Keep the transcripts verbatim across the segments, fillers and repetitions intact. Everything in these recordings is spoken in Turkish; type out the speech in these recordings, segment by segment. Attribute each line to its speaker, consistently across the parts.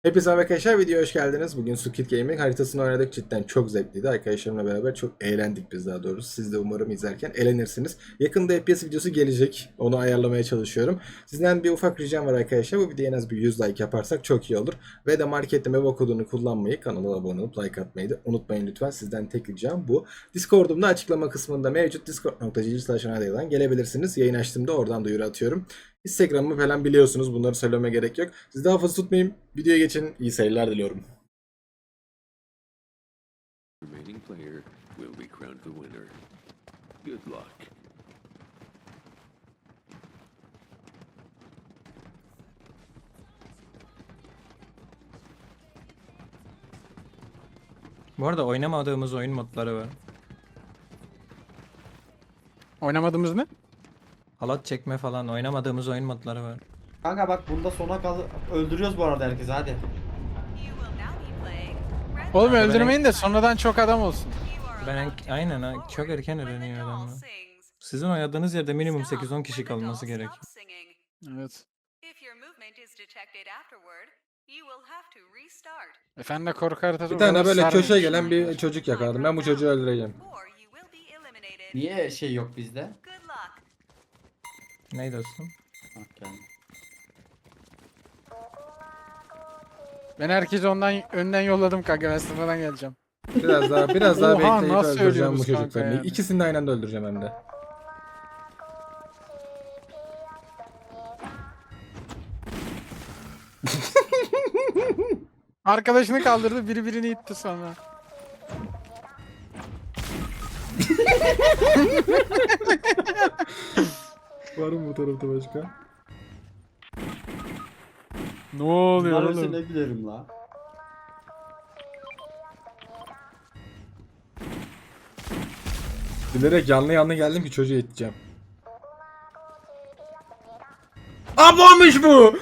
Speaker 1: Hepinize merhaba arkadaşlar, videoya hoş geldiniz. Bugün Squid Game'in haritasını oynadık. Cidden çok zevkliydi. Arkadaşlarımla beraber çok eğlendik biz daha doğrusu. Siz de umarım izlerken eğlenirsiniz. Yakında F P S videosu gelecek. Onu ayarlamaya çalışıyorum. Sizden bir ufak ricam var arkadaşlar. Bu videoya en az bir yüz like yaparsak çok iyi olur. Ve de markette meva kodunu kullanmayı, kanala abone olup like atmayı da unutmayın lütfen. Sizden tek ricam bu. Discord'umda açıklama kısmında mevcut discord nokta g g slash gelebilirsiniz. Yayın açtığımda oradan duyuru atıyorum. Instagram'ımı falan biliyorsunuz. Bunları söylememe gerek yok. Siz daha fazla tutmayayım. Videoya geçin. İyi seyirler diliyorum.
Speaker 2: Remaining player will be crowned the winner. Good luck.
Speaker 3: Bu arada oynamadığımız oyun modları var.
Speaker 4: Oynamadığımız ne?
Speaker 3: Halat çekme falan oynamadığımız oyun modları var.
Speaker 5: Kanka bak bunda sona kal öldürüyoruz bu arada herkesi hadi.
Speaker 4: Oğlum
Speaker 3: ben-
Speaker 4: öldürmeyin de sonradan çok adam olsun.
Speaker 3: Ben en- aynen ha, çok erken öğreniyor adamlar. Sizin oynadığınız yerde minimum sekiz on kişi kalması gerek.
Speaker 4: Evet. Efendim de korku haritası
Speaker 1: Bir
Speaker 4: o
Speaker 1: tane
Speaker 4: kadar
Speaker 1: böyle
Speaker 4: sarmıyor
Speaker 1: köşeye
Speaker 4: şimdi.
Speaker 1: gelen bir çocuk yakaladım. Ben bu çocuğu öldüreceğim.
Speaker 5: Niye şey yok bizde?
Speaker 3: Ney dostum?
Speaker 5: Bak geldi.
Speaker 4: Ben herkesi ondan önden yolladım kanka, ben sıfırdan geleceğim.
Speaker 1: Biraz daha biraz daha
Speaker 4: Oha,
Speaker 1: bekleyip
Speaker 4: nasıl
Speaker 1: öldüreceğim bu
Speaker 4: ölüyoruz kanka
Speaker 1: çocuklarını.
Speaker 4: yani?
Speaker 1: İkisini de aynı anda öldüreceğim hem de.
Speaker 4: Arkadaşını kaldırdı, biri birini itti sonra.
Speaker 1: Var mı bu tarafta başka?
Speaker 4: Ne oluyor
Speaker 5: Bunlar ölse
Speaker 4: oğlum?
Speaker 5: ne gülerim la.
Speaker 1: Bilerek yanlı yanlı geldim ki çocuğu iteceğim. Ablamış bu!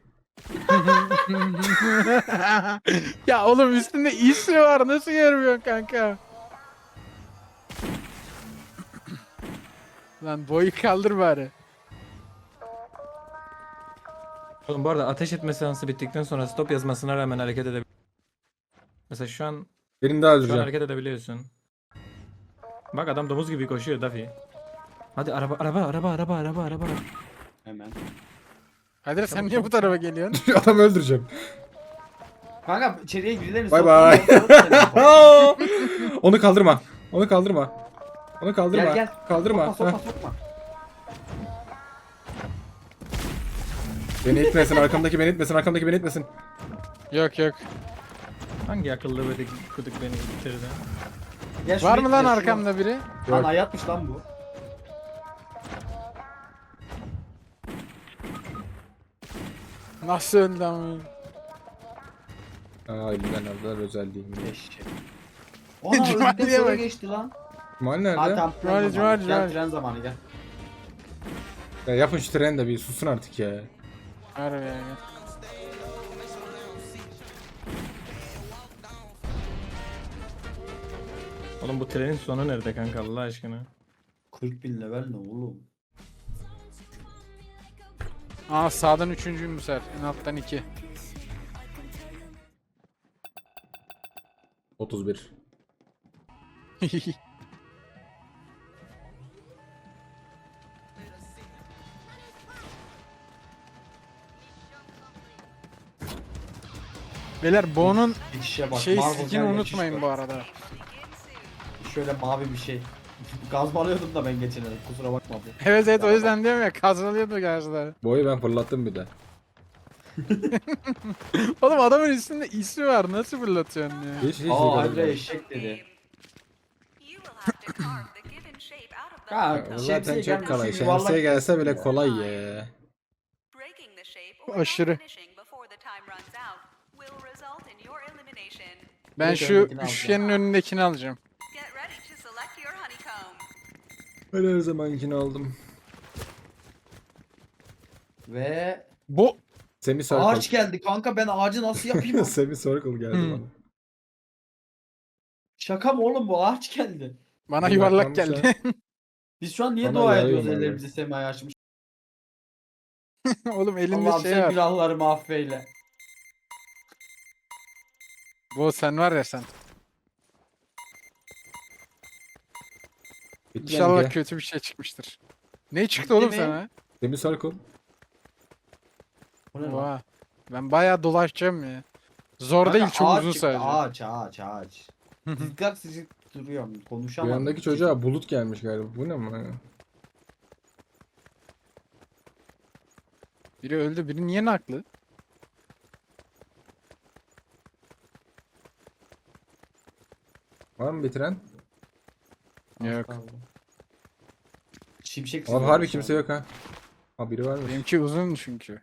Speaker 4: Ya oğlum üstünde ismi var, nasıl görmüyorsun kanka? Lan boyu kaldır bari.
Speaker 3: Oğlum bu arada ateş etme seansı bittikten sonra stop yazmasına rağmen hareket edebiliyorsun. Mesela şu an,
Speaker 1: Birini daha
Speaker 3: şu an
Speaker 1: öldüreceğim.
Speaker 3: hareket edebiliyorsun. Bak adam domuz gibi koşuyor Daffy. Hadi araba araba araba araba araba araba.
Speaker 5: Hemen.
Speaker 4: Kadir sen niye bu tarafa geliyorsun?
Speaker 1: Adamı öldüreceğim.
Speaker 5: Kanka içeriye birilerini
Speaker 1: Bay
Speaker 5: sokma,
Speaker 1: bay.
Speaker 5: sokma seni.
Speaker 1: Onu kaldırma. Onu kaldırma. Onu kaldırma.
Speaker 5: Gel gel.
Speaker 1: Kaldırma.
Speaker 5: Sokma
Speaker 1: Heh.
Speaker 5: sokma sokma.
Speaker 1: Beni itmesin, arkamdaki beni itmesin, arkamdaki beni itmesin.
Speaker 4: Yok yok.
Speaker 3: Hangi akıllı böyle kuduk beni ittirdi?
Speaker 5: Gel
Speaker 4: Var
Speaker 5: şunu
Speaker 4: mı lan
Speaker 5: itme, şunu.
Speaker 4: arkamda biri?
Speaker 5: Lan hayatmış lan bu.
Speaker 4: Nasıl öldü ama?
Speaker 1: Aa elimden aldılar özel değil mi?
Speaker 5: Eşek. Ona
Speaker 4: Cumali'ye
Speaker 5: öldükten sonra
Speaker 4: bak.
Speaker 5: geçti lan.
Speaker 1: Mal
Speaker 5: Hadi
Speaker 1: nerede?
Speaker 5: tamam
Speaker 4: Cumali,
Speaker 5: tren zamanı.
Speaker 4: Cumali,
Speaker 5: Gel
Speaker 4: Cumali.
Speaker 5: tren zamanı gel.
Speaker 1: Ya yapın şu treni de bir susun artık ya.
Speaker 4: Harbi yani.
Speaker 3: Oğlum bu trenin sonu nerede kanka Allah aşkına?
Speaker 5: kırk bin level ne oğlum?
Speaker 4: Aa sağdan üçüncüyüm bu sefer. En alttan iki.
Speaker 1: otuz bir.
Speaker 4: Beyler Bo'nun
Speaker 5: Geçişe bak.
Speaker 4: şey
Speaker 5: Marvel
Speaker 4: skin'i
Speaker 5: gel, geçiş
Speaker 4: unutmayın
Speaker 5: var.
Speaker 4: bu arada.
Speaker 5: Şöyle mavi bir şey. Gazmalıyordum da ben geçen el. Kusura bakma bu.
Speaker 4: Evet evet, o yüzden diyorum ya, kazanıyordu karşıda.
Speaker 1: Boyu ben fırlattım bir de.
Speaker 4: Oğlum adamın üstünde ismi var, nasıl fırlatıyorsun ya?
Speaker 1: Hiç hiç
Speaker 5: Aa
Speaker 1: değil.
Speaker 5: Andre eşek dedi. Ha,
Speaker 1: Ya, Zaten
Speaker 5: şemsiye
Speaker 1: çok
Speaker 5: gelmiş,
Speaker 1: kolay.
Speaker 5: şu yuvarlak
Speaker 1: Şemsiye gelse
Speaker 5: kesin
Speaker 1: bile
Speaker 5: ya.
Speaker 1: kolay ya.
Speaker 4: Aşırı. Ben
Speaker 5: Evet,
Speaker 4: şu
Speaker 5: öndekini alacağım.
Speaker 4: üçgenin önündekini alacağım.
Speaker 1: Ben her zamankini aldım.
Speaker 5: Ve
Speaker 4: Bu
Speaker 1: Semi circle.
Speaker 5: ağaç geldi kanka, ben ağacı nasıl yapayım?
Speaker 1: Semi circle geldi
Speaker 4: Hmm.
Speaker 1: bana.
Speaker 5: Şaka mı oğlum, bu ağaç geldi.
Speaker 4: bana
Speaker 1: Bir
Speaker 4: yuvarlak
Speaker 1: bakmamış
Speaker 4: geldi.
Speaker 5: Biz şu an niye
Speaker 1: Bana
Speaker 5: dua
Speaker 1: yarıyor
Speaker 5: ediyoruz,
Speaker 1: vallahi.
Speaker 5: ellerimizi semaya açmış.
Speaker 4: Oğlum elinde
Speaker 5: Allah'ım
Speaker 4: şey
Speaker 5: sen
Speaker 4: var.
Speaker 5: günahlarımı affeyle.
Speaker 4: Bu sen var ya sen.
Speaker 1: Bitti
Speaker 4: İnşallah
Speaker 1: benimki.
Speaker 4: kötü bir şey çıkmıştır. Ne çıktı oğlum
Speaker 5: mi?
Speaker 4: sana?
Speaker 1: Demir Circle.
Speaker 5: Bu ne lan?
Speaker 4: Oha. Ben bayağı dolaşacağım ya. Zor
Speaker 5: Kanka
Speaker 4: değil çok
Speaker 5: ağaç
Speaker 4: uzun
Speaker 5: çıktı,
Speaker 4: sadece.
Speaker 5: Ağaç ağaç ağaç. Zıkkak sıcak duruyorum.
Speaker 1: Bu
Speaker 5: Konuşamadım.
Speaker 1: yandaki çocuğa bulut gelmiş galiba. Bu ne ama ya?
Speaker 4: Biri öldü, biri niye naklı?
Speaker 1: Var mı bitiren?
Speaker 4: Yok.
Speaker 5: Şimşek
Speaker 1: Abi
Speaker 5: sıkıyor
Speaker 1: harbi
Speaker 5: şu
Speaker 1: kimse
Speaker 5: an.
Speaker 1: yok ha. Ha biri varmış.
Speaker 4: Benimki uzun çünkü.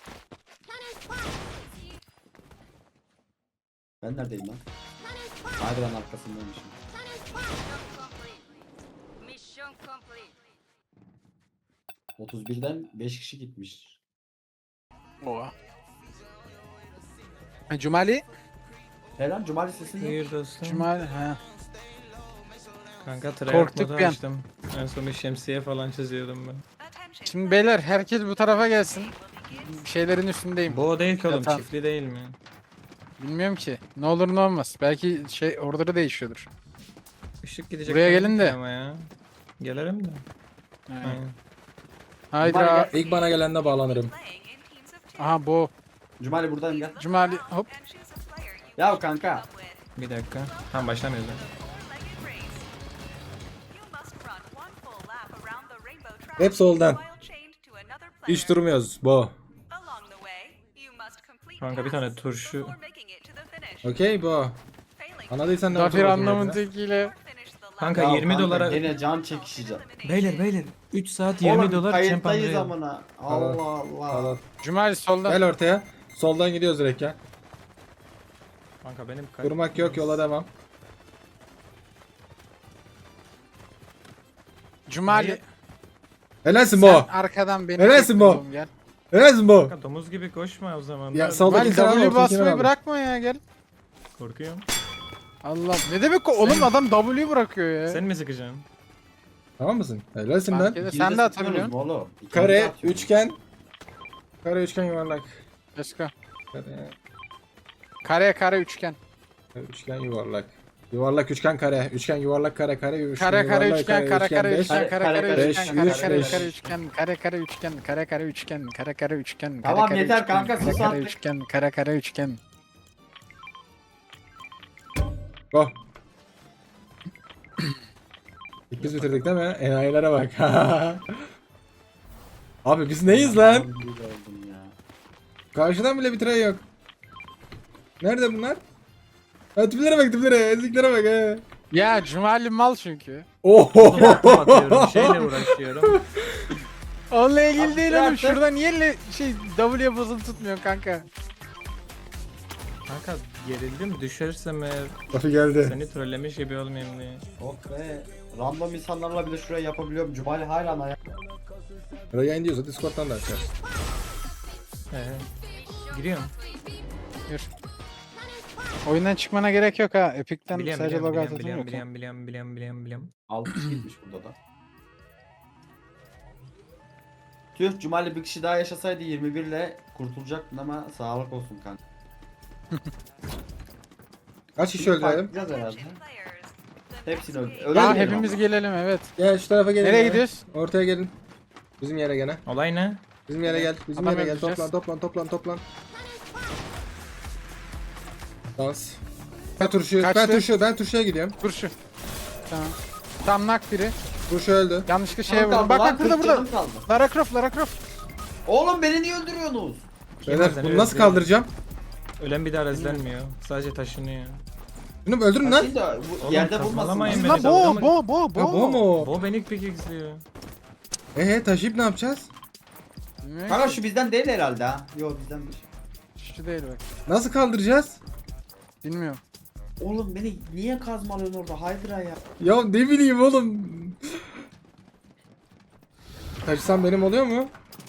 Speaker 5: Ben neredeyim lan? Haydiran arkasındaymışım.
Speaker 6: Mission complete.
Speaker 5: otuz birden beş kişi gitmiş.
Speaker 4: Oha. Ha, Cumali?
Speaker 5: Eren Cumali sesini
Speaker 3: Buyur dostum.
Speaker 4: Cumali ha.
Speaker 3: Kanka tryhard
Speaker 4: Korktuk
Speaker 3: modu
Speaker 4: bir an.
Speaker 3: açtım. En son bir şemsiye falan çiziyordum ben.
Speaker 4: Şimdi beyler herkes bu tarafa gelsin. Şeylerin üstündeyim.
Speaker 3: Bu o değil ki oğlum,
Speaker 4: Yatan.
Speaker 3: çiftli değil mi?
Speaker 4: Bilmiyorum ki. Ne olur ne olmaz. Belki şey order'ı değişiyordur.
Speaker 3: Işık gidecek.
Speaker 4: Buraya
Speaker 3: dedim
Speaker 4: gelin
Speaker 3: ki
Speaker 4: de.
Speaker 3: Ama ya. Gelirim de.
Speaker 4: Ha.
Speaker 3: Aynen.
Speaker 4: Haydi.
Speaker 5: Cumali
Speaker 4: ra-
Speaker 5: gel.
Speaker 1: İlk bana gelende bağlanırım.
Speaker 4: Aha bu.
Speaker 5: Cumali buradayım gel.
Speaker 4: Cumali hop.
Speaker 5: Ya kanka.
Speaker 3: Bir dakika. Tam başlamıyoruz. lan.
Speaker 1: Hep soldan. Hiç durmuyoruz. Bu.
Speaker 3: Kanka bir tane turşu.
Speaker 1: Okey bu. Anladıysan ne
Speaker 4: Zafir
Speaker 1: oldu?
Speaker 4: anlamın tekiyle.
Speaker 3: Kanka
Speaker 5: Ya
Speaker 3: yirmi
Speaker 5: kanka,
Speaker 3: dolara.
Speaker 5: Gene can çekişeceğim.
Speaker 3: Beyler beyler. üç saat yirmi
Speaker 5: Oğlum
Speaker 3: dolar
Speaker 5: kayıttayız
Speaker 3: çempan.
Speaker 5: amına. Allah Allah.
Speaker 1: Al.
Speaker 4: Cumali soldan.
Speaker 1: Gel ortaya. Soldan gidiyoruz direkt ya.
Speaker 3: Kanka benim kay-
Speaker 1: Durmak yok, yola devam.
Speaker 4: Cumali.
Speaker 1: Helalsin
Speaker 4: Sen
Speaker 1: bu.
Speaker 4: arkadan beni
Speaker 1: Helalsin
Speaker 4: çek
Speaker 1: bu.
Speaker 4: oğlum, gel.
Speaker 1: Helalsin bu.
Speaker 3: Kanka domuz gibi koşma o zaman.
Speaker 1: Ya
Speaker 3: Ben
Speaker 1: sal- Soldaki
Speaker 4: Cumali
Speaker 1: sen al,
Speaker 4: W
Speaker 1: ortakini
Speaker 4: basmayı
Speaker 1: al.
Speaker 4: bırakma ya gel.
Speaker 3: korkuyorum.
Speaker 4: Allah ne demek o? Oğlum adam W bırakıyor ya.
Speaker 3: Sen mi sıkacaksın?
Speaker 1: Tamam mısın? Helalsin
Speaker 4: Fark
Speaker 1: lan.
Speaker 4: eder.
Speaker 5: İkiniz
Speaker 4: Sen de
Speaker 5: sıkıyorsunuz
Speaker 4: atabiliyorsun.
Speaker 5: mu oğlum? İkiniz de
Speaker 1: Kare,
Speaker 5: atıyorsunuz.
Speaker 1: üçgen. Kare, üçgen, yuvarlak.
Speaker 4: Let's go.
Speaker 1: Kare,
Speaker 4: Kare kare üçgen.
Speaker 1: üçgen, yuvarlak. Yuvarlak, üçgen, kare. Üçgen, yuvarlak, kare, kare, üçgen,
Speaker 4: Kare kare
Speaker 1: yuvarlak,
Speaker 4: üçgen kare kare
Speaker 1: beş.
Speaker 4: üçgen kare
Speaker 5: Kare,
Speaker 4: kare
Speaker 5: kare,
Speaker 4: üçgen
Speaker 1: beş,
Speaker 4: kare
Speaker 1: üç,
Speaker 4: kare
Speaker 1: beş.
Speaker 4: kare üçgen kare kare üçgen kare kare üçgen kare kare üçgen kare
Speaker 5: Tamam,
Speaker 4: kare
Speaker 5: yeter
Speaker 4: üçgen,
Speaker 5: kanka,
Speaker 4: kare
Speaker 5: sus
Speaker 4: kare
Speaker 5: artık.
Speaker 4: üçgen kare kare üçgen.
Speaker 1: Go. İlk biz bitirdik değil mi? Enayilere bak. Abi biz neyiz lan?
Speaker 5: Abi, bir oldum ya.
Speaker 1: Karşıdan bile bitiren yok. Nerede bunlar? Ha, tiplere bak, tiplere, ezliklere bak he.
Speaker 4: Ya Cumali mal çünkü.
Speaker 1: Oho.
Speaker 3: Atıp atıyorum. Şeyle uğraşıyorum.
Speaker 4: Onunla ilgili değil oğlum.
Speaker 5: artık.
Speaker 4: Şurada niye le- şey W'ye basılı tutmuyor kanka?
Speaker 3: Kanka gerildim, düşersem eğer
Speaker 1: Lafı geldi.
Speaker 3: seni trollemiş gibi olmayayım diye.
Speaker 5: Oh be. Random insanlarla bile şuraya yapabiliyorum. Cumali hala ayak.
Speaker 1: Ya da yayın diyorsa Discord'dan da açar.
Speaker 3: He. Giriyorum.
Speaker 4: Dur. Oyundan çıkmana gerek yok ha. Epic'ten
Speaker 3: Biliyorum
Speaker 4: sadece
Speaker 3: biliyorum
Speaker 4: logout
Speaker 3: biliyorum
Speaker 4: atın
Speaker 3: biliyorum
Speaker 4: yok.
Speaker 3: biliyorum biliyorum biliyorum biliyorum biliyorum.
Speaker 5: altı kişi gitmiş burada da. Tüh, Cumali bir kişi daha yaşasaydı yirmi bir ile kurtulacaktın ama sağlık olsun kanka.
Speaker 1: Kaç kişi öldürelim?
Speaker 5: Biraz herhalde. Hepsini öldü.
Speaker 4: Ya
Speaker 5: Ölelim
Speaker 4: hepimiz
Speaker 5: ama.
Speaker 4: gelelim evet.
Speaker 1: Gel şu tarafa gelin.
Speaker 4: Nereye
Speaker 1: ya.
Speaker 4: gidiyoruz?
Speaker 1: Ortaya gelin. Bizim yere gene.
Speaker 3: Olay ne?
Speaker 1: Bizim yere gel. Bizim
Speaker 4: Adam
Speaker 1: yere gel.
Speaker 4: öldüreceğiz.
Speaker 1: Toplan, toplan, toplan, toplan. Dans. Ben turşu, ben
Speaker 4: Kaçtı?
Speaker 1: turşu, ben turşuya gidiyorum.
Speaker 4: Dur şu. Tamam. Tam nak biri.
Speaker 1: Turşu öldü.
Speaker 4: Yanlışlıkla şeye
Speaker 5: Canım
Speaker 4: vurdum.
Speaker 5: kaldı
Speaker 4: Bak
Speaker 5: lan,
Speaker 4: bak burada
Speaker 5: kırk
Speaker 4: burada.
Speaker 5: canım kaldı.
Speaker 4: Lara Croft, Lara Croft.
Speaker 5: Oğlum beni niye öldürüyorsunuz?
Speaker 1: Beyler
Speaker 3: seni
Speaker 1: bunu nasıl
Speaker 3: öldürüyor?
Speaker 1: kaldıracağım?
Speaker 3: Ölen bir daha rezlenmiyor. Sadece taşınıyor.
Speaker 1: Bunu öldürün lan.
Speaker 5: Şimdi bu
Speaker 3: Oğlum,
Speaker 5: yerde
Speaker 3: kazmalamayın
Speaker 5: vurmasın.
Speaker 3: beni.
Speaker 4: Lan
Speaker 3: dalga
Speaker 4: bo
Speaker 3: mı-
Speaker 4: bo bo
Speaker 1: Ha bu
Speaker 4: bo.
Speaker 1: mu?
Speaker 3: Bu beni pickaxe'liyor.
Speaker 1: Eee taşıyıp ne yapacağız?
Speaker 4: Bilmiyorum
Speaker 5: Kanka
Speaker 4: ki.
Speaker 5: şu bizden değil herhalde ha. Yok bizdenmiş.
Speaker 4: Şu değil bak.
Speaker 1: Nasıl kaldıracağız?
Speaker 4: Bilmiyorum.
Speaker 5: Oğlum beni niye kazmalıyorsun orada Hydra ya?
Speaker 1: Ya ne bileyim oğlum. Taşısam benim oluyor mu?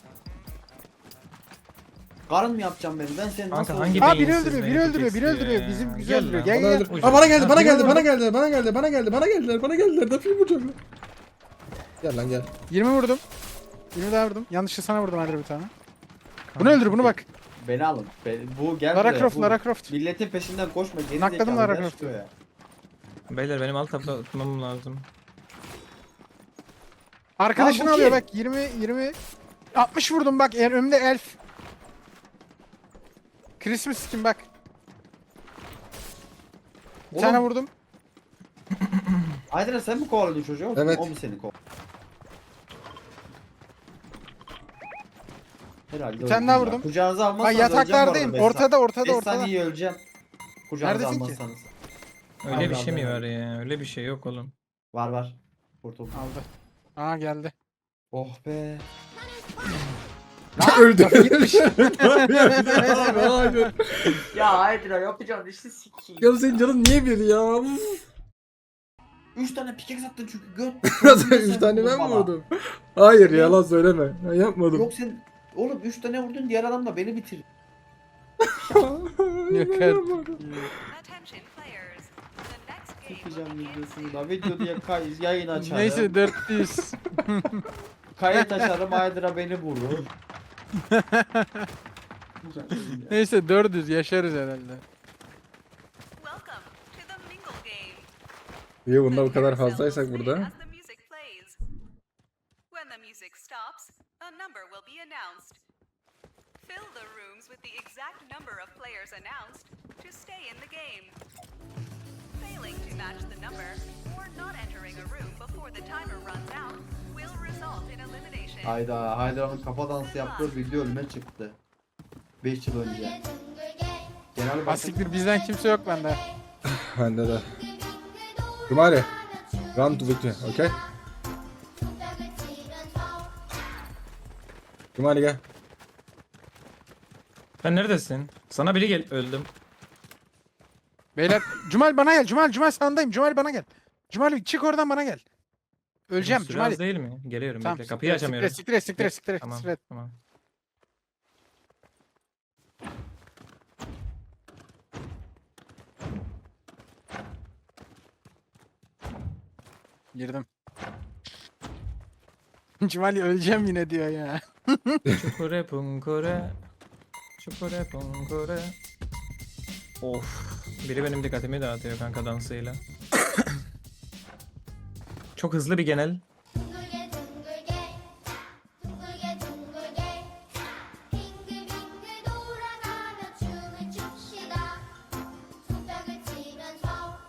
Speaker 5: Karın mı yapacağım beni? Ben seni
Speaker 3: Kanka,
Speaker 5: nasıl
Speaker 3: hangi
Speaker 5: öldüreyim?
Speaker 4: Aa biri
Speaker 3: beyinsiz
Speaker 4: öldürüyor,
Speaker 3: beni
Speaker 4: biri öldürüyor, biri
Speaker 3: pickaxe'liyor
Speaker 4: öldürüyor.
Speaker 3: ya.
Speaker 4: Bizim güzel
Speaker 3: Gel
Speaker 4: öldürüyor.
Speaker 3: lan,
Speaker 4: Gel
Speaker 1: Bana
Speaker 4: gel.
Speaker 1: öldür.
Speaker 3: Ucuz.
Speaker 1: Aa bana geldi,
Speaker 3: Ha,
Speaker 1: bana
Speaker 3: biri
Speaker 1: geldi,
Speaker 3: öldürdü.
Speaker 1: bana geldi, bana geldi, bana geldi, bana geldiler, bana geldiler. Dafil vuracağım. Gel lan gel.
Speaker 4: yirmi vurdum. yirmi daha vurdum. Yanlışlıkla sana vurdum hadi bir tane. Bunu öldür bunu bak.
Speaker 5: Beni alın. Beni, bu gel
Speaker 4: Lara
Speaker 5: buraya,
Speaker 4: Croft,
Speaker 5: bu.
Speaker 4: Lara Croft.
Speaker 5: Milletin peşinden koşma. Geri
Speaker 4: Nakladım
Speaker 5: zekalı,
Speaker 4: Lara
Speaker 5: gel
Speaker 4: Croft'u.
Speaker 5: şuraya.
Speaker 3: Beyler benim alt tabla atmam lazım.
Speaker 4: Arkadaşını
Speaker 5: Aa, bu
Speaker 4: alıyor
Speaker 5: kim?
Speaker 4: bak yirmi yirmi altmış vurdum bak eğer önümde elf. Christmas skin bak. Bir
Speaker 5: Oğlum.
Speaker 4: tane vurdum.
Speaker 5: Aydın sen mi kovaladın çocuğu?
Speaker 1: Evet.
Speaker 5: O mu seni kovaladı? Herhalde
Speaker 4: Bir tane
Speaker 5: öldüm
Speaker 4: daha
Speaker 5: ya.
Speaker 4: vurdum.
Speaker 5: Kucağınıza almazsanız
Speaker 4: Bak
Speaker 5: öleceğim bu arada
Speaker 4: yataklardayım.
Speaker 5: beş
Speaker 4: Ortada ortada
Speaker 5: beş
Speaker 4: ortada.
Speaker 5: saniye öleceğim. Kucağınıza
Speaker 4: Neredesin ki?
Speaker 5: almazsanız.
Speaker 3: Öyle bir
Speaker 5: Allah
Speaker 3: şey mi
Speaker 5: Allah.
Speaker 3: var ya? Öyle bir şey yok oğlum.
Speaker 5: Var var. Kurtuldum.
Speaker 4: Aldı. Aa geldi.
Speaker 5: Oh be.
Speaker 1: Öldü. Hayır.
Speaker 5: Ya Aydın yapacağım işte sikiyim.
Speaker 1: Ya senin canın niye bir ya? Uf.
Speaker 5: Üç tane pikek attın çünkü göt.
Speaker 1: Nasıl üç tane ben mi vurdum? Hayır yalan söyleme. Ben yapmadım.
Speaker 5: Yok sen oğlum üç tane vurdun diğer adam da beni bitir.
Speaker 4: Yok artık.
Speaker 6: Attention players. The next game will
Speaker 5: Çekeceğim
Speaker 6: begin
Speaker 5: videosunu
Speaker 6: soon.
Speaker 5: da video diye kay yayın açarım.
Speaker 4: Neyse dört yüz.
Speaker 5: Kayıt açarım Aydın'a beni vurur.
Speaker 4: Neyse dört yüz yaşarız herhalde.
Speaker 6: Welcome to the Mingle Game.
Speaker 1: İyi bunda bu
Speaker 6: The
Speaker 1: kadar
Speaker 6: carousel
Speaker 1: fazlaysak
Speaker 6: will
Speaker 1: burada.
Speaker 6: spin as the music plays. When the music stops, a number will be announced. Fill the rooms with the exact number of players announced to stay in the game. Failing to match the number or not entering a room before the timer runs out will result in elimination.
Speaker 5: Hayda Haydar'ın kafa dansı yaptığı video önüme çıktı. beş yıl önce. Genel başkan
Speaker 4: Asiktir bizden kimse yok bende.
Speaker 1: Bende de. Cumali. Run to victory. Okay? Cumali gel.
Speaker 3: Sen neredesin? Sana biri gel öldüm.
Speaker 4: Beyler Cumal bana gel. Cumal Cumal sağındayım. Cumal bana gel. Cumal çık oradan bana gel. Öleceğim
Speaker 3: Süre
Speaker 4: Cumal.
Speaker 3: az değil mi? Geliyorum
Speaker 4: Tamam.
Speaker 3: bekle. Kapıyı açamıyorum.
Speaker 4: Siktir et siktir et siktir et
Speaker 3: Tamam
Speaker 4: siktir et.
Speaker 3: tamam.
Speaker 4: Girdim. Cumal öleceğim yine diyor ya.
Speaker 3: Çukure punkure. Çukure punkure. Of. Biri benim dikkatimi dağıtıyor kanka dansıyla. Çok hızlı bir genel.
Speaker 7: 둥글게 둥글게 둥글게 둥글게 빙글빙글 돌아가며 춤을 춥시다 손뼉을 치면서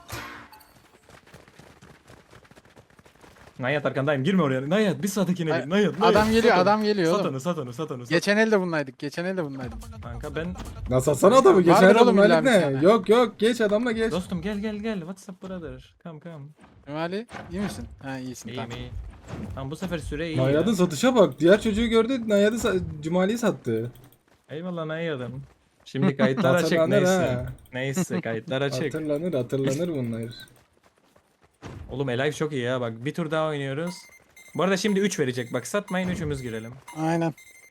Speaker 3: Nayat arkandayım. Girme oraya. Nayat bir sağdakine
Speaker 4: Ay,
Speaker 3: gir. Nayat, Nayat.
Speaker 4: Adam geliyor
Speaker 3: Sat onu.
Speaker 4: adam geliyor
Speaker 3: Sat
Speaker 4: oğlum.
Speaker 3: onu sat onu sat onu. Sat.
Speaker 4: Geçen elde bunlaydık. Geçen elde bunlaydık.
Speaker 3: Kanka ben
Speaker 1: Nasıl atsana adamı? Geçen
Speaker 4: Vardır
Speaker 1: adam
Speaker 4: oğlum illa
Speaker 1: Malik
Speaker 4: bir
Speaker 1: ne?
Speaker 4: tane.
Speaker 1: Yok yok geç adamla geç.
Speaker 3: dostum gel gel gel. What's up brother? Come come.
Speaker 4: Cumali iyi misin? Ha iyisin
Speaker 3: İyiyim
Speaker 4: tamam.
Speaker 3: iyi. Tamam bu sefer süre iyi.
Speaker 1: Nayad'ın
Speaker 3: ya.
Speaker 1: satışa bak. Diğer çocuğu gördü. Nayad'ı sa- Cumali'yi sattı.
Speaker 3: Eyvallah Nayad'ım. Şimdi kayıtlar açık
Speaker 1: Hatırlanır
Speaker 3: neyse.
Speaker 1: ha.
Speaker 3: Neyse kayıtlar açık.
Speaker 1: Hatırlanır hatırlanır bunlar.
Speaker 3: Oğlum Elive çok iyi ya bak bir tur daha oynuyoruz. Bu arada şimdi üç verecek bak satmayın üçümüz girelim.
Speaker 4: Aynen.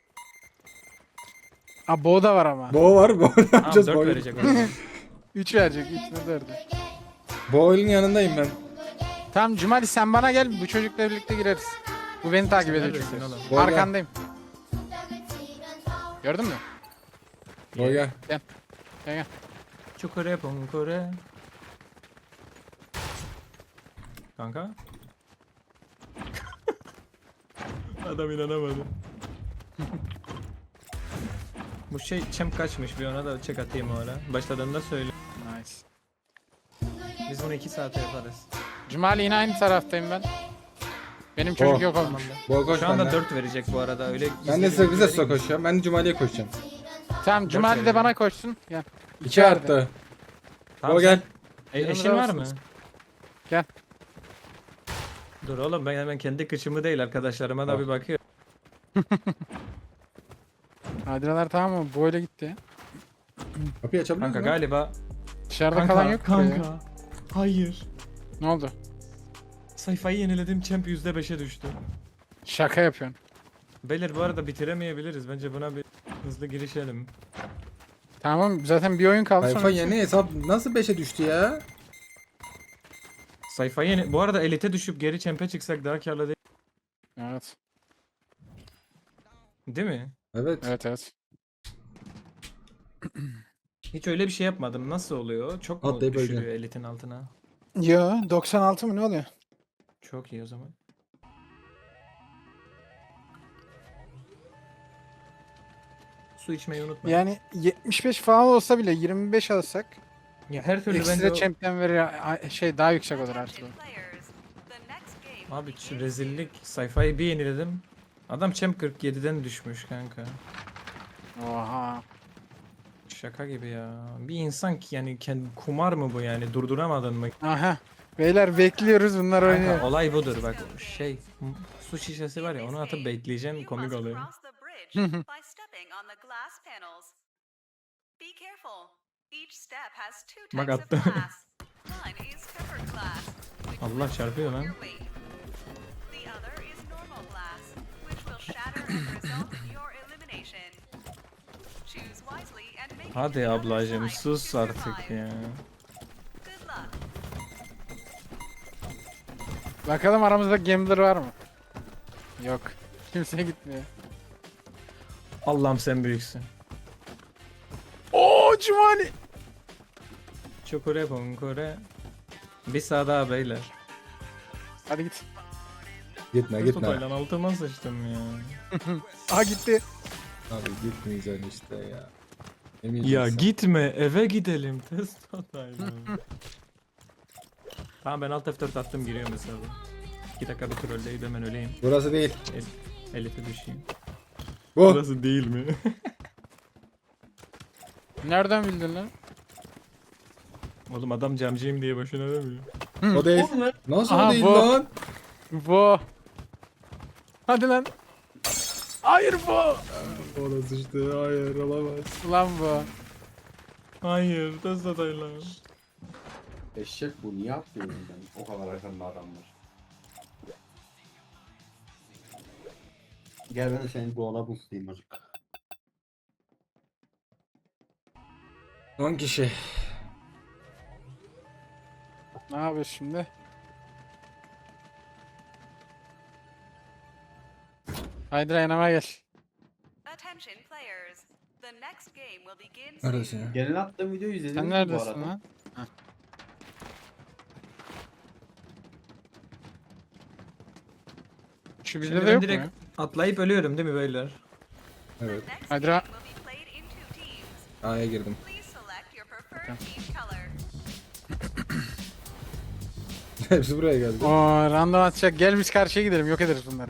Speaker 4: Aa Bo da var ama.
Speaker 1: Bo var. Bo ne
Speaker 3: Tamam
Speaker 1: yapacağız?
Speaker 3: dört
Speaker 1: Bo
Speaker 3: verecek o zaman.
Speaker 4: üç verecek. üç ne dördü.
Speaker 1: Bo'nun yanındayım ben.
Speaker 4: Tamam Cumali sen bana gel. Bu çocukla birlikte gireriz. Bu beni takip ediyor
Speaker 3: Neredesin
Speaker 4: çünkü.
Speaker 3: oğlum?
Speaker 1: Bo gel.
Speaker 4: Arkandayım.
Speaker 7: 손뼉을 치면서
Speaker 4: Gördün mü?
Speaker 1: Bo gel.
Speaker 4: Gel gel.
Speaker 3: Çukure punkure. Kanka. Adam inanamadı. Bu şey champ kaçmış bir ona da check atayım o ara. Başladığında söyle.
Speaker 4: Nice.
Speaker 3: Biz bunu iki saate yaparız.
Speaker 4: Cumali yine aynı taraftayım ben. Benim çocuk
Speaker 1: Oh.
Speaker 4: yok olmuş.
Speaker 1: Bo koş
Speaker 3: Şu anda
Speaker 1: benden.
Speaker 3: dört verecek bu arada öyle.
Speaker 1: Ben de
Speaker 3: izledim,
Speaker 1: size bize
Speaker 3: göreyim.
Speaker 1: koşacağım. Ben de Cumali'ye koşacağım.
Speaker 4: Tamam Cumali de
Speaker 3: verelim.
Speaker 4: bana koşsun. Gel.
Speaker 1: İki
Speaker 4: verdi.
Speaker 1: arttı.
Speaker 3: Tamam,
Speaker 1: Bo gel.
Speaker 3: sen- E,
Speaker 4: Yanımda
Speaker 3: eşin var mı?
Speaker 4: mısınız? Gel.
Speaker 3: Dur oğlum ben hemen kendi kıçımı değil arkadaşlarıma da
Speaker 1: Bak.
Speaker 3: bir bakıyorum.
Speaker 4: Adiralar tamam mı? Bu öyle gitti.
Speaker 1: Kapıyı açabiliyor
Speaker 3: Kanka
Speaker 1: musun?
Speaker 3: galiba.
Speaker 4: Dışarıda
Speaker 3: Kanka,
Speaker 4: kalan yok mu
Speaker 3: kanka.
Speaker 4: ya?
Speaker 3: Hayır.
Speaker 4: Ne oldu?
Speaker 3: Sayfayı yeniledim champ yüzde beşe düştü.
Speaker 4: Şaka yapıyorsun.
Speaker 3: Beyler bu arada bitiremeyebiliriz. Bence buna bir hızlı girişelim.
Speaker 4: Tamam zaten bir oyun kaldı
Speaker 1: Sayfa
Speaker 4: sonra.
Speaker 1: yeni hesap nasıl beşe düştü ya?
Speaker 3: Sayfayı yeni... Bu arada elite düşüp geri champ'e çıksak daha karlı değil.
Speaker 4: Evet.
Speaker 3: Değil mi?
Speaker 1: Evet.
Speaker 4: Evet evet.
Speaker 3: Hiç öyle bir şey yapmadım. Nasıl oluyor? Çok mu
Speaker 1: Atlayıp
Speaker 3: düşürüyor
Speaker 1: öleceksin.
Speaker 3: elitin altına?
Speaker 4: Yo doksan altı mı ne oluyor?
Speaker 3: Çok iyi o zaman. Su içmeyi unutmayın.
Speaker 4: Yani yetmiş beş falan olsa bile yirmi beş alsak
Speaker 3: Ya her türlü bence
Speaker 4: ekstra
Speaker 3: o-
Speaker 4: champion verir a- şey daha yüksek olur her türlü.
Speaker 6: Attention players. The next game
Speaker 3: Abi
Speaker 6: will
Speaker 3: şu
Speaker 6: begin
Speaker 3: rezillik sayfayı bir yeniledim. Adam champ kırk yediden düşmüş kanka.
Speaker 4: Oha.
Speaker 3: Şaka gibi ya. Bir insan ki yani kendi kumar mı bu yani durduramadın mı?
Speaker 4: Aha. Beyler bekliyoruz bunlar
Speaker 3: Kanka,
Speaker 4: oynuyor.
Speaker 3: olay budur bak şey m- su şişesi var ya onu atıp bekleyeceksin
Speaker 6: You
Speaker 3: komik
Speaker 6: must
Speaker 3: oluyor.
Speaker 6: cross the bridge by stepping on the glass panels. Be careful. Each step has two
Speaker 3: Bak
Speaker 6: types of
Speaker 3: attı.
Speaker 6: glass. One is tempered glass, which
Speaker 3: Allah
Speaker 6: will
Speaker 3: çarpıyor
Speaker 6: absorb
Speaker 3: lan.
Speaker 6: your weight. The other is normal glass, which will shatter and result in your elimination. Choose wisely and make it to
Speaker 3: Hadi
Speaker 6: the other
Speaker 3: ablacım
Speaker 6: side
Speaker 3: sus
Speaker 6: to
Speaker 3: artık
Speaker 6: survive.
Speaker 3: ya.
Speaker 6: Good luck.
Speaker 4: Bakalım aramızda gambler var mı? Yok. Kimse gitmiyor.
Speaker 3: Allah'ım sen büyüksün.
Speaker 4: Oo Cumali.
Speaker 3: Çukure bunkure. Bir sağ daha beyler.
Speaker 4: Hadi git.
Speaker 1: Gitme
Speaker 3: Kız
Speaker 1: gitme.
Speaker 3: tutaylan altıma sıçtım ya.
Speaker 4: Aha gitti.
Speaker 1: Abi gitmeyeceksin işte ya.
Speaker 3: Ya
Speaker 1: Yemeyeceksin.
Speaker 3: gitme eve gidelim test tutaylan. Tamam ben alt F dört attım giriyor mesela. iki dakika bir trolleyip hemen öleyim.
Speaker 1: Burası değil.
Speaker 3: El, Elif'e düşeyim.
Speaker 1: Bu.
Speaker 3: Burası değil mi?
Speaker 4: Nereden bildin lan?
Speaker 3: Oğlum adam camcıyım diye boşuna demiyor.
Speaker 1: O değil. Nasıl
Speaker 4: Aha,
Speaker 1: o değil
Speaker 4: bu.
Speaker 1: lan?
Speaker 4: Bu. Hadi lan. Hayır bu.
Speaker 1: Orası işte hayır olamaz.
Speaker 4: Ulan bu.
Speaker 3: Hayır test tutaylan.
Speaker 5: Eşek bu niye atlıyor ben? O kadar arkanda adam var. Gel ben de senin doğala boostlayayım azıcık.
Speaker 1: on kişi.
Speaker 4: Ne yapıyoruz şimdi? Haydi yanıma gel.
Speaker 6: Attention players. The next game will begin
Speaker 1: Neredesin
Speaker 6: soon.
Speaker 1: ya?
Speaker 5: Gelin attığım videoyu izlediniz
Speaker 4: Sen
Speaker 5: mi bu
Speaker 4: neredesin
Speaker 5: arada?
Speaker 4: lan? Şu
Speaker 3: Şimdi
Speaker 4: bizde de
Speaker 3: ben
Speaker 4: yok
Speaker 3: direkt
Speaker 4: mu?
Speaker 3: atlayıp ölüyorum değil mi beyler?
Speaker 1: Evet.
Speaker 6: Next
Speaker 4: Hadi
Speaker 6: game
Speaker 4: ra-
Speaker 6: will be played in two teams.
Speaker 1: A'ya girdim.
Speaker 6: Please select your preferred team color.
Speaker 1: Hepsi buraya geldi.
Speaker 4: Oo random atacak. Gel biz karşıya gidelim. Yok ederiz bunları.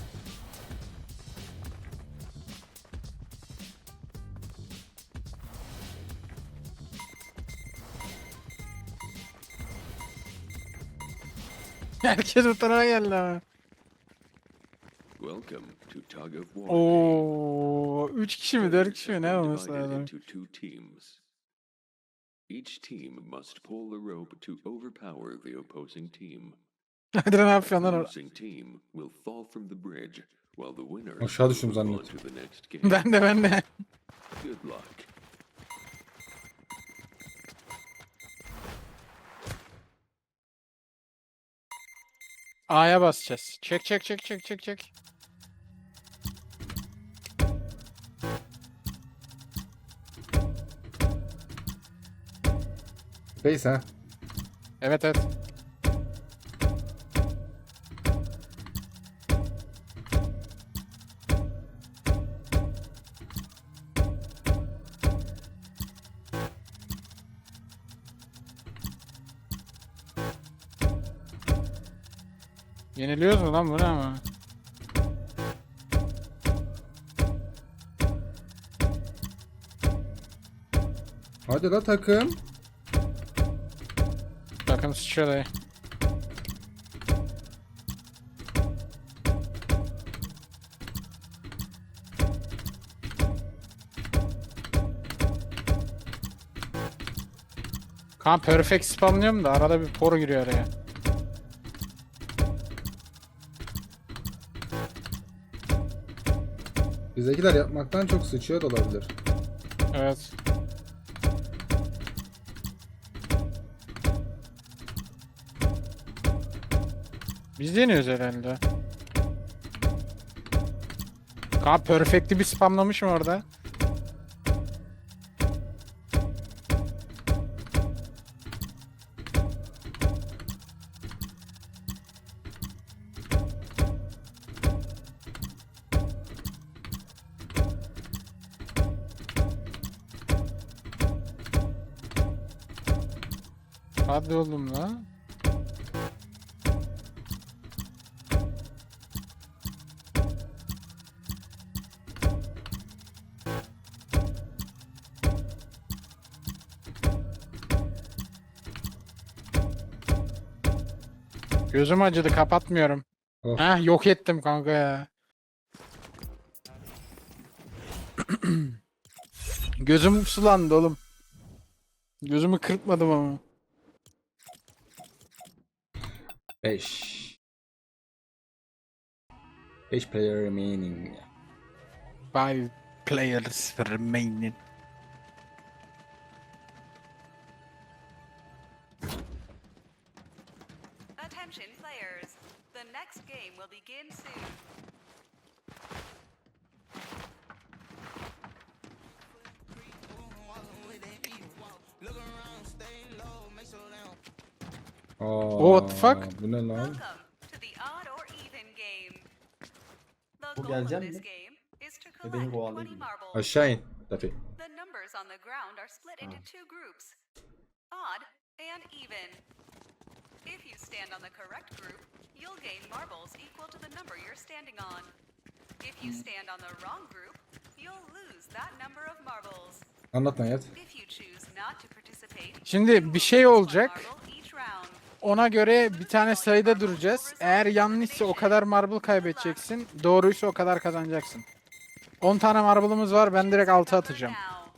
Speaker 4: Herkes bu tarafa geldi ama.
Speaker 2: Welcome to Tug of War.
Speaker 4: Oo, üç kişi mi, dört kişi mi ne
Speaker 2: Players have
Speaker 4: olması
Speaker 2: been divided
Speaker 4: lazım?
Speaker 2: into two teams. Each team must pull the rope to overpower the opposing team.
Speaker 4: Hadi lan ne yapıyorsun lan
Speaker 2: The
Speaker 4: orada?
Speaker 2: losing team will fall from the bridge, while the winner
Speaker 1: Aşağı düştüm
Speaker 2: will move on
Speaker 1: zannettim.
Speaker 2: to the next game.
Speaker 4: Ben de ben de.
Speaker 2: Good luck.
Speaker 4: A'ya basacağız. Çek çek çek çek çek çek.
Speaker 1: Base ha.
Speaker 4: Evet evet. Yeniliyoruz mu lan bu ne ama?
Speaker 1: Hadi la takım.
Speaker 4: Bakın sıçıyor dayı. Kan perfect spamlıyorum da arada bir por giriyor araya.
Speaker 1: Bizdekiler yapmaktan çok sıçıyor da olabilir.
Speaker 4: Evet. Biz deniyoruz herhalde. Kan perfect'i bir spamlamışım orada. Hadi oğlum la. Gözüm acıdı, kapatmıyorum.
Speaker 1: Oh.
Speaker 4: Heh, yok ettim kanka ya. Gözüm sulandı oğlum. Gözümü kırpmadım ama.
Speaker 1: beş. beş player remaining.
Speaker 4: Five players remaining.
Speaker 6: Attention players. The next game will begin soon.
Speaker 1: Aa,
Speaker 4: What the fuck?
Speaker 1: Bu ne lan?
Speaker 6: Welcome to the odd or even game. The
Speaker 5: Bu
Speaker 6: goal of
Speaker 5: gelecek
Speaker 6: this
Speaker 5: mi?
Speaker 6: game is to
Speaker 5: E, beni
Speaker 6: collect
Speaker 5: kovalayın.
Speaker 6: twenty marbles.
Speaker 1: Aşağı in. Dafi.
Speaker 6: The numbers on the ground are split into two groups, odd and even. If you stand on the correct group, you'll gain marbles equal to the number you're standing on. If you stand on the wrong group, you'll lose that number of marbles.
Speaker 1: Anlatma hayat.
Speaker 6: If you choose not to participate,
Speaker 4: Şimdi
Speaker 6: you
Speaker 4: bir
Speaker 6: will
Speaker 4: şey
Speaker 6: lose one
Speaker 4: olacak.
Speaker 6: marble each round.
Speaker 4: Ona göre bir tane sayıda duracağız. Eğer yanlışsa o kadar marble kaybedeceksin. Doğruysa o kadar kazanacaksın. on tane marble'ımız var. Ben direkt altı atacağım.
Speaker 6: Now.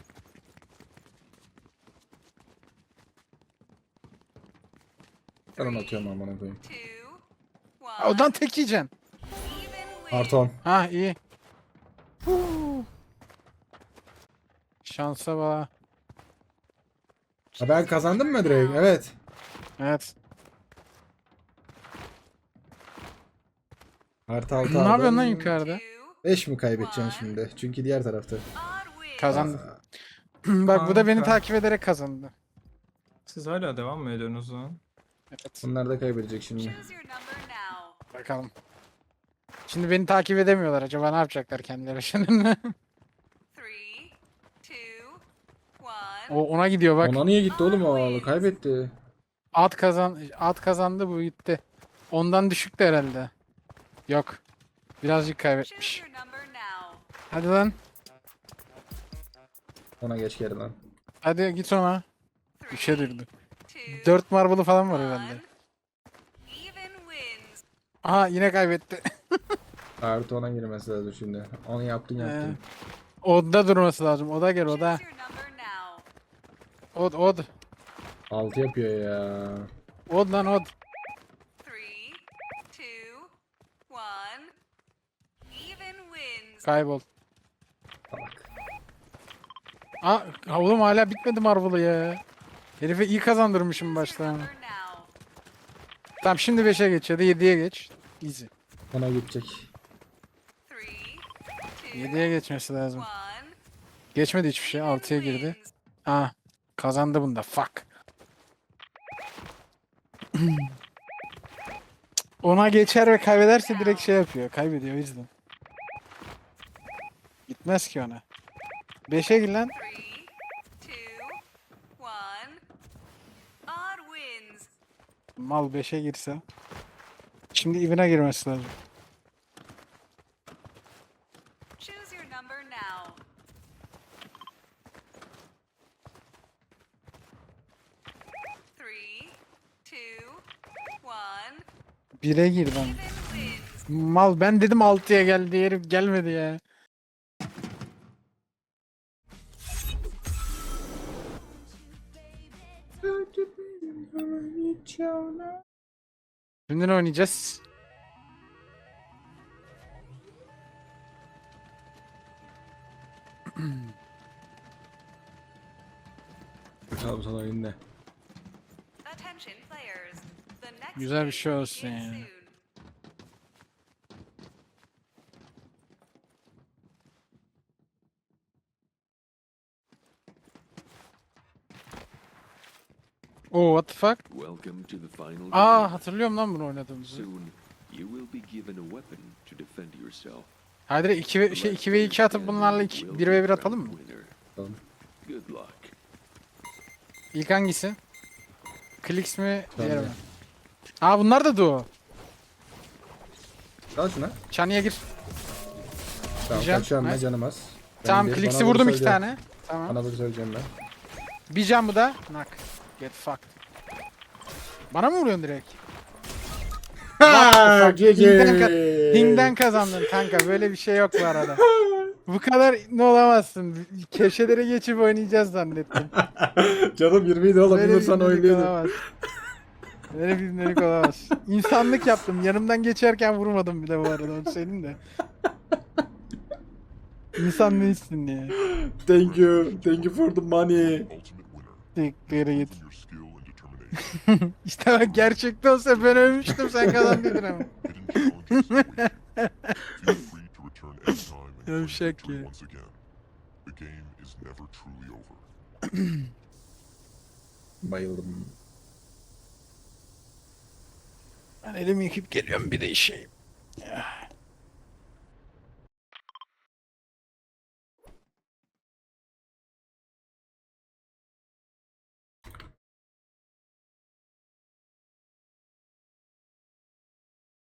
Speaker 1: Ben onu atıyorum amına koyayım.
Speaker 6: Two,
Speaker 4: Ha,
Speaker 6: one,
Speaker 4: Odan tek yiyeceksin.
Speaker 6: even win.
Speaker 1: Artı on.
Speaker 4: Ha iyi. Huu. Şansa bak.
Speaker 1: Ha, ben kazandım mı direkt? Evet.
Speaker 4: Evet.
Speaker 1: Artı altı
Speaker 4: Ne yapıyorsun lan
Speaker 1: aldım.
Speaker 4: yukarıda?
Speaker 6: Two,
Speaker 1: beş mi kaybedeceksin şimdi? Çünkü diğer tarafta.
Speaker 6: odd win.
Speaker 4: Kazandım. Bak bu da beni
Speaker 3: Kanka.
Speaker 4: takip ederek kazandı.
Speaker 3: Siz hala devam mı ediyorsunuz lan?
Speaker 4: Evet.
Speaker 1: Bunlar da kaybedecek şimdi.
Speaker 6: Choose your number now.
Speaker 4: Bakalım. Şimdi beni takip edemiyorlar. Acaba ne yapacaklar kendileri şimdi?
Speaker 6: Three, two, one.
Speaker 4: O ona gidiyor bak.
Speaker 1: Ona niye gitti oğlum o? Kaybetti.
Speaker 4: At kazan at kazandı, bu gitti. Ondan düşüktü herhalde. Yok. Birazcık
Speaker 6: Choose
Speaker 4: kaybetmiş.
Speaker 6: your number now.
Speaker 4: Hadi lan.
Speaker 1: Ona geç geri lan.
Speaker 4: Hadi git ona.
Speaker 6: Three,
Speaker 4: Üçe durdu.
Speaker 6: two,
Speaker 4: Dört marble'ı falan var herhalde.
Speaker 6: one. Even wins.
Speaker 4: Aha yine kaybetti.
Speaker 1: Artı ona girmesi lazım şimdi. Onu yaptın yaptın.
Speaker 4: Ee, Odda durması lazım. Oda gel oda.
Speaker 6: Choose your number now.
Speaker 4: Od od.
Speaker 1: altı yapıyor ya.
Speaker 4: Od lan od.
Speaker 6: Three, two, one. Even wins.
Speaker 4: Kaybol.
Speaker 1: Bak.
Speaker 4: Aa oğlum hala bitmedi marble'ı ya. Herife iyi kazandırmışım
Speaker 6: Choose your
Speaker 4: baştan.
Speaker 6: number now.
Speaker 4: Tamam şimdi beşe geç ya da yediye geç. Easy.
Speaker 1: Ona gidecek.
Speaker 6: Three, two,
Speaker 4: yediye geçmesi lazım.
Speaker 6: one.
Speaker 4: Geçmedi hiçbir şey.
Speaker 6: Even
Speaker 4: altıya girdi.
Speaker 6: wins.
Speaker 4: Aa kazandı bunda. Fuck. Ona geçer ve kaybederse direkt şey yapıyor. Kaybediyor o yüzden. Gitmez ki ona. beşe gir lan.
Speaker 6: Three, two, one. Odd wins.
Speaker 4: Mal beşe girse. Şimdi evine girmesi lazım.
Speaker 6: Choose your number now. Three, two, one.
Speaker 4: bire gir lan.
Speaker 6: Even wins.
Speaker 4: Mal ben dedim altıya gel diye herif gelmedi ya. Şimdi ne oynayacağız?
Speaker 1: Bakalım sana oyunda.
Speaker 6: Attention players. The next
Speaker 4: Güzel bir
Speaker 6: game
Speaker 4: şey
Speaker 6: will
Speaker 4: olsun
Speaker 6: begin
Speaker 4: ya.
Speaker 6: soon.
Speaker 4: Oo what the fuck?
Speaker 2: Welcome to the final
Speaker 4: Aa
Speaker 2: game.
Speaker 4: hatırlıyorum lan bunu oynadığımızı.
Speaker 2: Soon, you will be given a weapon to defend yourself.
Speaker 4: Hadi iki ve şey iki ve iki atıp bunlarla iki, bir ve bir atalım mı?
Speaker 2: Winner.
Speaker 1: Tamam.
Speaker 2: Good luck.
Speaker 4: İlk hangisi? Klix mi?
Speaker 1: Tamam,
Speaker 4: Diğer mi?
Speaker 1: ya.
Speaker 4: Aa bunlar da duo.
Speaker 1: Al şuna.
Speaker 4: Çaniye gir.
Speaker 1: Tamam
Speaker 4: Diyeceğim,
Speaker 1: kaçıyorum ben
Speaker 4: nice.
Speaker 1: canım az.
Speaker 4: Tamam
Speaker 1: Ben bir-
Speaker 4: Klix'i
Speaker 1: bana doğru
Speaker 4: vurdum iki
Speaker 1: söyleyeceğim.
Speaker 4: tane. Tamam.
Speaker 1: Bana doğru söyleyeceğim ben.
Speaker 4: Bir can bu da. Knock. Get fucked. Bana mı vuruyorsun direkt?
Speaker 1: Ha, G G.
Speaker 4: Ping'den, ka- ping'den kazandın kanka. Böyle bir şey yok bu arada. Bu kadar ne olamazsın. Köşelere geçip oynayacağız zannettim.
Speaker 1: Canım yirmi idi oğlum.
Speaker 4: Böyle
Speaker 1: Bir
Speaker 4: bir
Speaker 1: sana
Speaker 4: ibnelik
Speaker 1: oynuyordum.
Speaker 4: olamaz. Böyle bir ibnelik olamaz. İnsanlık yaptım. Yanımdan geçerken vurmadım bir de bu arada. Onu söyleyeyim de. İnsan değilsin diye.
Speaker 1: Thank you. Thank you for the money.
Speaker 4: Tekkere git. İşte bak gerçekte olsa ben ölmüştüm sen kazandıydın ama. Yavşak ya.
Speaker 1: Bayıldım.
Speaker 4: Ben elimi yıkayıp geliyorum bir de işeyim.